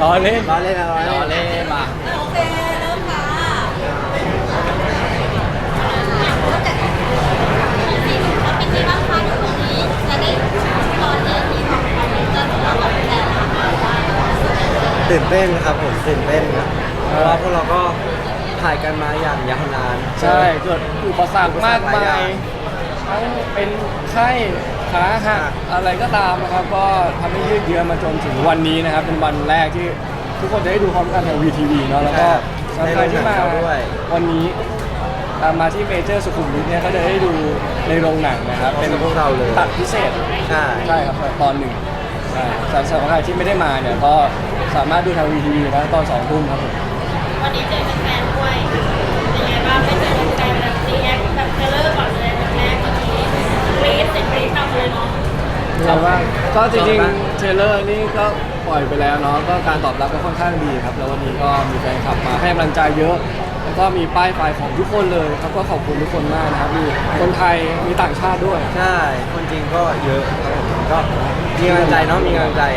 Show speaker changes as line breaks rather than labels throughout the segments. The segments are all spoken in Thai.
ล้อเล่น
ล้อเล่นนะล้อ
ล้อ
เล่น
เล่นมา
โอเคเริ่มค่ะเป็นไงบ้างคะทุกคนนี้จะได้ตอนนี้มีของคอมเมนเตอร์ของเราแต่ละ
ตื่นเต้นครับผมตื่นเต้นนะเพราะว่าพวกเราก็ถ่ายกันมาอย่างยาวนาน
ใช่เกิดอุปสรรคมากมายทั้งเป็นไข้ขาหักอะไรก็ตามนะครับ ก็ทำให้ยืดเยื้อมาจนถึงวันนี้นะครับ เป็นวันแรกที่ทุกคนจะได้ดูพร้อมกันทาง VTV เนาะแล้วก็สำหรับใครที่มาวันนี้มาที่เมเจอร์สุขุมวิทเนี่ยก็จะได้ดูในโรงหนังนะครับ
เป็นพวกเราเลย
ตัดพิเศษ
ใช่
ใช่ครับตอนหนึ่งใช่สำหรับใครที่ไม่ได้มาเนี่ยก็สามารถดูทาง VTV นะตอน2 ทุ่มครับผม
วันนี้เจอแฟนๆด้วยเป็นไงบ้างไม่เจอแฟนแบบรีแอคแบบเทเลอร์ก่อนเลยแบบแรกเมื่อกี้กรี๊ดเสียงกรี๊ดนำเลยเนาะ
ครับว่าก็จริงๆเทรลเลอร์นี่ก็ปล่อยไปแล้วเนาะก็การตอบรับก็ค่อนข้างดีครับแล้ววันนี้ก็มีแฟนคลับมาให้กำลังใจเยอะ แล้วก็มีป้ายไฟของทุกคนเลยครับก็ขอบคุณทุกคนมากนะครับมีคนไทยมีต่างชาติด้วย
ใช่คนจริงก็เยอะครับผมก็มีกำลังใจเนาะมีกำลังใจ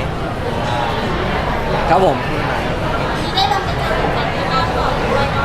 ครับผม
ที่ได้เราไปเจอแฟนที่บ้านก่อนด้วยเนาะ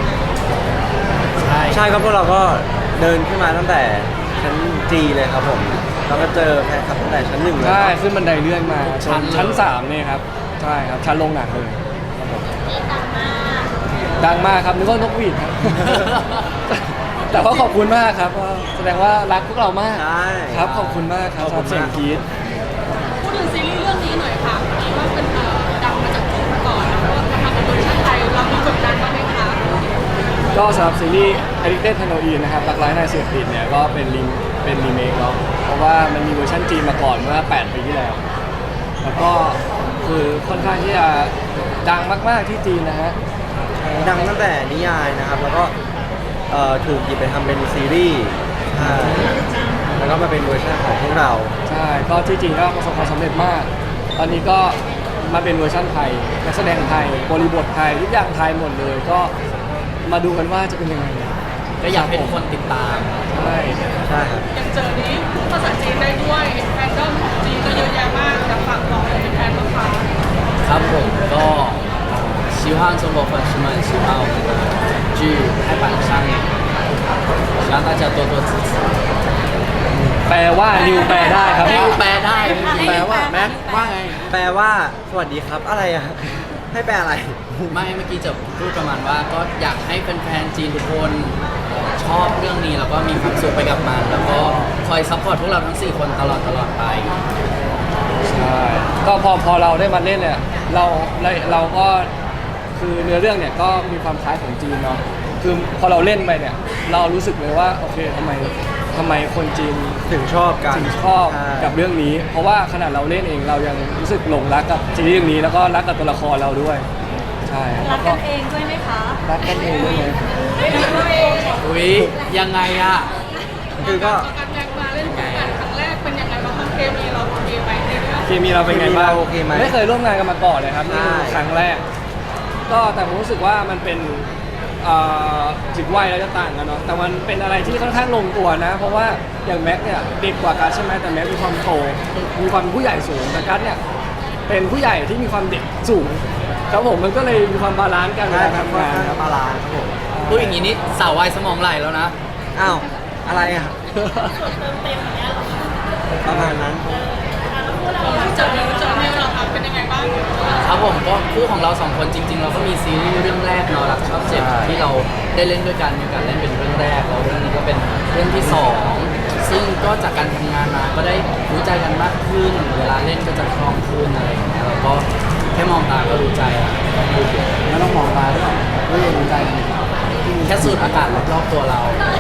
ใช่ครับพวกเราก็เดินขึ้นมาตั้งแต่ชั้นจีเลยครับผมเราก็เจอแฟนคลับตั้งแต่ชั้น 1เลย
ใช่ขึ้นบันไดเลื่อนมาชั้น3เนี่ยครับใช่ครับชั้นโรงหนังเลยครับผม
ที่ดังมาก
ดังมากครับนึกว่านกหวีดครับ แต่ว่าขอบคุณมากครับก็แสดงว่ารักพวกเรามาก
ใช่
ครับขอบคุณมากครับสำหรับเสียงกรี๊ด
พูดถึงซีรีส์เรื่องนี้หน่อยค่ะเห็นว่าเป็นดังมาจากจีนมาก่อนแล้วก็มาทำเป็นเวอร์ชันไทยเรามีกดดันบ้างไหมคะ
ก็สำหรับซีรีส์ Addicted Halloween นะครับรักร้ายนายเสพติดเนี่ยก็เป็นรีเมคเนาะเพราะว่ามันมีเวอร์ชันจีนมาก่อนเมื่อ8 ปีที่แล้ว แล้วก็คือค่อนข้างที่จะดังมากๆที่จีนนะฮะ
ดังตั้งแต่นิยายนะครับ แล้วก็ถูกหยิบไปทำเป็นซีรีส์ใช่แล้วก็มาเป็นเวอร์ชันของพวกเรา
ใช่ก็ที่จีนก็ประสบความสำเร็จมาก ตอนนี้ก็มาเป็นเวอร์ชันไทยนักแสดงไทยบริบทไทยทุกอย่างไทยหมดเลยก็มาดูกันว่าจะเป็นยังไง
ก็อยากให้ทุกคนติดตาม
ใช่
ใช่ครับ
อย่างเจอนี้พูดภาษาจีนได้ด้วยแฟนด้อมของจีนก็เยอะแยะมากอยากฝากบอกอะไรเป็นแฟนบ้างคะ
ครับผมก็希望中国粉丝们喜欢我们的剧《拍板上映》，希望大家多多支持。
แปลว่านิวแปลได้ครับ
นิวแปลได้
แปลว่าแม็กว่าไง
แปลว่าสวัสดีครับอะไรอะให้แปลอะไร
ไม่เมื่อกี้จะพูดประมาณว่าก็อยากให้แฟนๆจีนทุกคนชอบเรื่องนี้แล้วก็มีความสุขไปกับมันแล้วก็คอยซัพพอร์ตพวกเราทั้ง4 คนตลอดไป
ใช่ก็พอเราได้มาเล่นเนี่ยเราก็คือเนื้อเรื่องเนี่ยก็มีความคล้ายของจีนเนาะคือพอเราเล่นไปเนี่ยเรารู้สึกเลยว่าโอเคทำไมคนจีน
ถึงชอบกัน
ถึงชอบ
ใช่
กับเรื่องนี้ เพราะว่าขนาดเราเล่นเองเรายังรู้สึกหลงรักกับซีรีส์เรื่องนี้แล้วก็รักกับตัวละครเราด้วยใช่
รักกันเองด้วยไหมคะ
รักกันเองด้วยไหม
อุ๊ยยังไงอะ
คือก็
การแม็กมาเล่นคู่กันครั้งแรกเป็นยังไงบ้างคะเคมีเราโอเคไหมในเรื่อง
เคมีเราเป็นไงบ้าง
โอเคไหม
ไม่เคยร่วมงานกันมาก่อนเลยครับนี่คือ
ใช่
ครั้งแรก ก็แต่ผมรู้สึกว่ามันเป็นถึงวัยเราจะต่างกันเนาะแต่มันเป็นอะไรที่ค่อนข้างลงตัวนะ เพราะว่าอย่างแม็กเนี่ยเด็กกว่ากัสใช่ไหมแต่แม็กมีความโตมีความเป็นผู้ใหญ่สูงแต่กัสเนี่ยเป็นผู้ใหญ่ที่มีความเด็กสูงครับผมมันก็เลยมีความบาลานซ์กันเว
ใช่
ลา
ครับ
ทำงาน
ค่อน
ค
ข้า
รับ
งบาลานซ์ครับผม
พูดอย่างนี้นี่สาววายสมองไหลแล้วนะ
อ้าวอะไรอะประมาณนั้น
เจอนิวเราค่ะเป็นยังไงบ้าง
ครับผมก็คู่ของเรา 2 คนจริง ๆ เราก็มีซีรีส์เรื่องแรกเนาะรักชอบเจ็บ
ใช่
ที่เราได้เล่นด้วยกันมีการเล่นเป็นเรื่องแรกแล้วเรื่องนี้ก็เป็นเรื่องที่ 2 ซึ่งก็จากการทำงานมาก็ได้รู้ใจกันมากขึ้น เวลาเล่นก็จะคล่องขึ้นอะไรอย่างเงี้ยแล้วก็แค่มองตาก็รู้ใจแล้วต้องพูดเยอะ
แล้วต้องมองตาด้วยก็ยังรู้ใจกันอยู่
แค่สูดอากาศรอบๆตัวเรา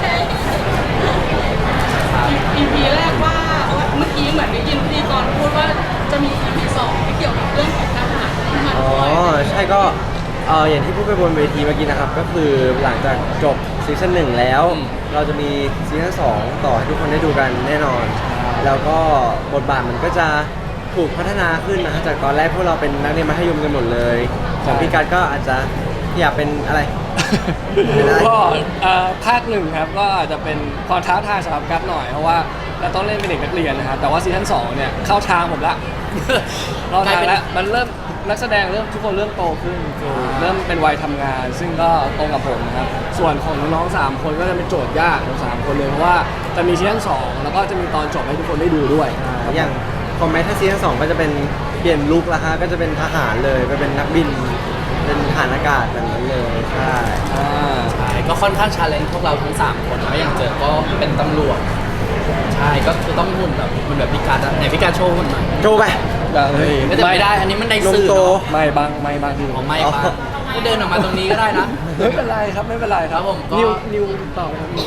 ครับ
EP แรกว่าเมื่อกี้เหมือนได้ยินพิธีกรพูดว่าจะมี EP 2ที่เกี่ยวกับเรื่องของทหารที่มา
อ๋อ
ด้วย
ใช่ก็อย่างที่พูดไปบนเวทีเมื่อกี้นะครับ ก็คือหลังจากจบซีซั่น1แล้ว เราจะมีซีซั่น2ต่อให้ทุกคนได้ดูกันแน่นอน แล้วก็บทบาทมันก็จะถูกพัฒนาขึ้นนะฮะจากตอนแรกพวกเราเป็นนักเรียนมัธยมกันหมดเลยของพี่กัดก็อาจจะอยากเป็นอะไร
ก็ภาคหนึ่งครับก็อาจจะเป็นความท้าทายสำหรับกัสหน่อยเพราะว่าเราต้องเล่นเป็นเด็กนักเรียนนะครับแต่ว่าซีซั่น2เนี่ยเข้าทางผมละ เราทางแล้วมันเริ่มนักแสดงทุกคนเริ่มโตขึ้นคือเริ่มเป็นวัยทำงาน ซึ่งก็ตรงกับผมนะครับส่วนของน้องๆ3คนก็จะเป็นโจทย์ยากของ3คนเลยเพราะว่าจะมีซีซั่น2แล้วก็จะมีตอนจบให้ทุกคนได้ดูด้วย
อย่างคอมเมนต์ถ้าซีซั่น2ก็จะเป็นเปลี่ยนลุคละฮะก็จะเป็นทหารเลยไปเป็นนักบิน เป็นทหารอากาศแบบนั้นเลยใช่
ใช่ก็ค่อนข้างชาเลนจ์พวกเราทั้ง3คนแล้วอย่างเจอก็เป็นตำรวจใช่ก็คือต้องหุ่นแบบพิการอะไหนพิการโชว์หุ่นหน่อย
โจไป
เฮ้ย
ไม่แต่ไม่ได้อันนี้มันใน
ลง
สื่อ
โต
เนาะ
ไม่บางที่
ของไม่ปะก็เดินออกมาตรงนี้ก็ได้นะ
ไม่เป็นไรครับไม่เป็นไรครับ
ครับผมก็
นิวต่อครับนิว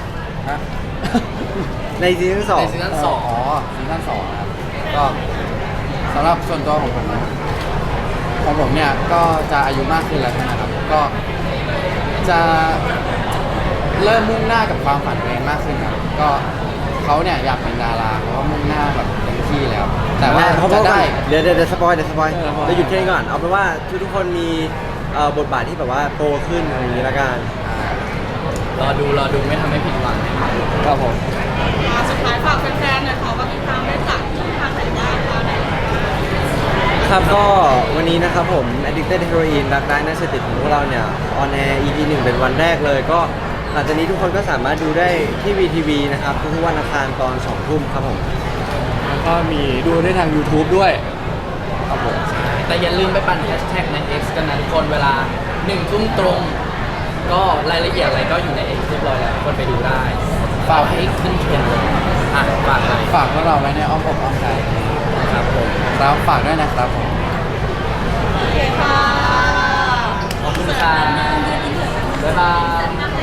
ในซีซั่น2
ในซีซั่นสอง
ซีซั่น2นะครับก็สำหรับส่วนตัวของผมเนี่ยก็จะอายุมากขึ้นแล้วนะครับก็จะเริ่มมุ่งหน้ากับความฝันตัวเองมากขึ้นครับก็เขาเนี่ยอยากเป็นดาราเขาก็มุ่งหน้าแบบเต็มที่แล้ว แต่ว่า
เพราะ
จะ
ว่า
ได้
เดี๋ยวสปอยเราหยุดแค่นี้ก่อนเอาเป็นว่าทุกคนมีบทบาทที่แบบว่าโตขึ้นอะไรอย่างนี้ละกัน
รอดูไม่ทำให้ผิดหวัง
ครับผม
สุดท้ายฝากแฟนๆหน่อยค่ะว่าติดตามได้จากช่องทางไหนได้คะไหน
ครับก็วันนี้นะครับผม Addicted Heroin รักร้ายน่าเสพติดของพวกเราเนี่ยออนแอร์ EP 1 เป็นวันแรกเลย ก็หลังจากนี้ทุกคนก็สามารถดูได้ที่ VTV นะครับทุกวันอังคารตอน 2 ทุ่มครับผม
แล้วก็มีดูได้ทาง YouTube ด้วยครับผม
แต่อย่าลืมไปปั่นแฮชแท็กใน X กันนะทุกคนเวลา1 ทุ่มตรง ก็รายละเอียดอะไรก็อยู่ใน X เรียบร้อยแล้วทุกคนไปดูได้ฝากให้ขึ้นเทรนด์เลยอ่ะฝากเลย
ฝากพวกเราไว้ในอ้อมอกอ้อมใจ
ครับผม
ครับฝากด้วยนะครับผม
โอเคค่ะ
ขอบคุณครับบ๊ายบาย